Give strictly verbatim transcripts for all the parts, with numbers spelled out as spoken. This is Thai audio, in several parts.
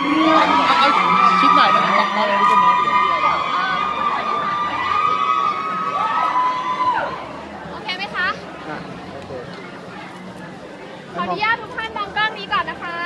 เอาชิดหน่อยนะตักมาเลยทุกคนโอเคไหมคะขออนุญาตทุกท่านมองกล้องนี้ก่อนนะคะ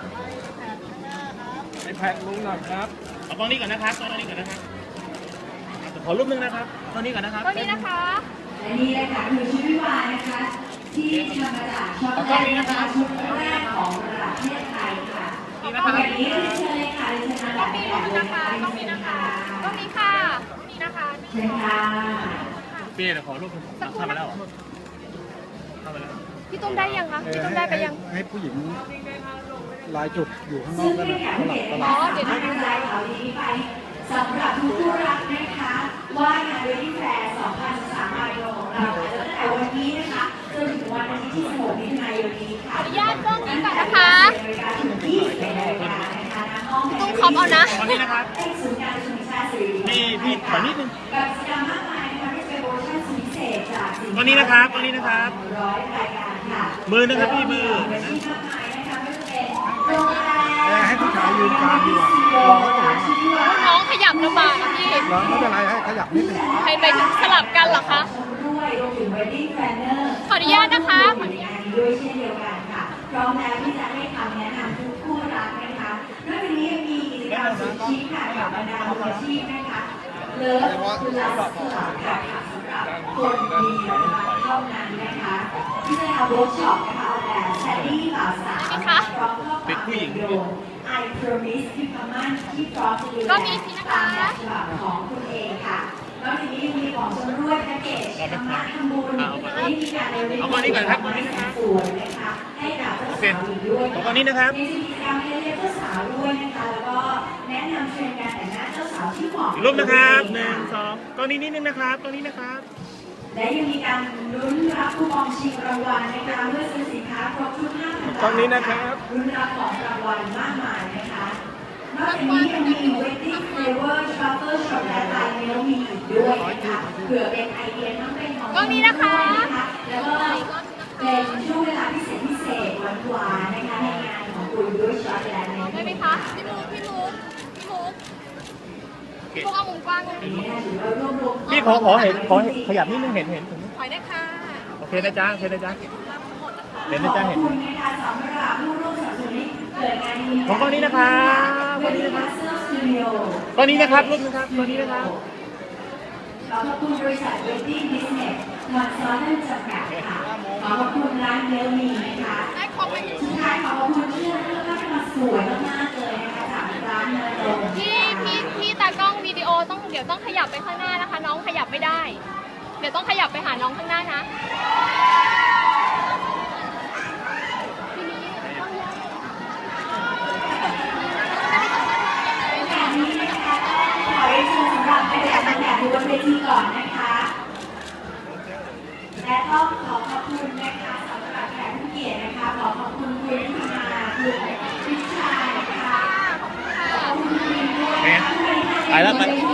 ไอแพดลุงหน่อยครับเอากล้องนี้ก่อนนะครับกล้องนี้ก่อนนะครับขอรูปนึงนะครับกล้องนี้ก่อนนะครับกล้องนี้นะคะและนี่เลยค่ะคือชุดวิวานะคะที่ทำมาจากช็อกโกแลตนะคะชุดแรกของประเทศไทยค่ะอย่างนี้เชิญเลยค่ะเชิญมากล้องนี้นะคะกล้องนี้นะคะกล้องนี้ค่ะกล้องนี้นะคะเชิญค่ะเปี้ยขอรูปเข้ามาแล้วเข้ามาแล้วพี่ตุ้มได้ยังคะพี่ตุ้มได้ไปยังให้ผู้หญิงลายจุดอยู่ข้างนอกกันนะสลับสลัอ๋บอเดี๋ยวให้กำลังใจเขาดีไปสำหรับทุกคู่รักนะคะว่างานเวทีแฟร์สองพันสิบสามมาโยของเราตั้งแต่วันนี้นะคะจนถึงวันอาทิตย์ที่สิบหกมิถุนายนนี้ค่ะขออนุญาตกล้องนี้ก่อนนะคะยี่สิบเอ็ดนาฬิกานะคะณห้องตุ้มคอมเอานะตอนนี้นะครับศูนย์การประชุมแห่งชาติสิริกิติ์นี่พี่ขอนิดนึงกับกิจกรรมมากมายนะคะที่เป็นโปรโมชั่นสุดพิเศษจากสินตอนนี้นะครับตอนนี้นะครับร้อยรายการค่ะมือนะครับพี่มือที่มากมายนะคะไม่ว่าจะเป็นโรงแรมให้ผู้ชายยืนกลางดีกว่าลองก็ถึงน้องขยับลำบากอะพี่ลองไม่เป็นไรให้ขยับนิดนึงไปไปถึงสลับกันเหรอคะด้วยรวมถึง wedding planner ขออนุญาตนะคะในงานนี้ด้วยเช่นเดียวกันค่ะพร้อมแล้วที่จะให้คำแนะนำทุกคู่รักนะคะนอกจากนี้ยังมีกิจกรรมสุดชิคค่ะกับบรรดามืออาชีพนะคะเลิฟคือลัสคลับค่ะสำหรับคนมีนะคะเท่านั้นนะคะที่จะทำเวิร์กช็อปนะคะออกแบบแซดดี้บ่าวสาวนะคะพร้อมข้อความ I promise คือคำมั่นที่พร้อมจะดูแลตามแบบฉบับของคุณเองค่ะนอกจากนี้ยังมีของชำร่วยแพ็กเกจธรรมะทำบุญที่มีการในวันนี้สวยนะคะให้กับเจ้าสาวอีกด้วยตอนนี้นะครับมีกิจกรรมให้เรียกเจ้าสาวด้วยนะคะแล้วก็แนะนำเทรนด์การแต่งหน้าเจ้าสาวที่เหมาะรูปนะครับหนึ่งสองกล้องนี้นิดนึงนะครับกล้องนี้นะครับและยังมีการลุ้นรับคูปองชิงรางวัลนะคะเมื่อซื้อสินค้าครบทุกห้าพันบาทตรงนี้นะครับลุ้นรับของรางวัลมากมายนะคะนอกจากนี้ยังมี Wedding Flavor Truffle Chocolate by Milk มีอีกด้วยนะคะเผื่อเป็นไอเดียทั้งเป็นของกล้องนี้นะคะแล้วก็เป็นช่วงเวลาพิเศษพิเศษหวานๆนะคะในงานของคุณด้วยช็อตแลนด์ได้ไหมคะพี่มุกพี่มุกพี่มุกพวกเอามุมกว้างตรงนี้พี่ขอขอเห็นขอขยับนิดนึงเห็นเห็นถอยได้ค่ะโอเคนะจ๊ะโอเคนะจ๊ะเห็นนะจ๊ะเห็นขอบคุณนะคะสำหรับผู้ร่วมสนับสนุนเกิดงานนี้ของกล้องนี้นะครับกล้องนี้นะครับกล้องนี้นะครับรูปนะครับกล้องนี้นะครับขอขอบคุณบริษัท Wedding Business มอนซอนนั่นจำกัดค่ะขอขอบคุณร้านเดลมีนะคะได้ครบไหมสุดท้ายขอขอบคุณเพื่อนเพื่อนก็มาสวยมากๆเลยนะคะจากร้านเนยลงพี่พี่พี่ตากล้องวิดีโอต้องเดี๋ยวต้องขยับไปข้างหน้านะคะ น้องขยับไม่ได้ เดี๋ยวต้องขยับไปหาน้องข้างหน้านะทีนี้ต้องย้ายงานนี้นะคะขอเรียนเชิญสำหรับไปแต่งแบบบนเวทีก่อนนะคะ และต้องขอขอบคุณนะคะสำหรับแขกผู้เกียรตินะคะขอขอบคุณคุณนิติมาคุณวิชานะคะขอบคุณคุณมินด้วยนะคะไปแล้วไปที่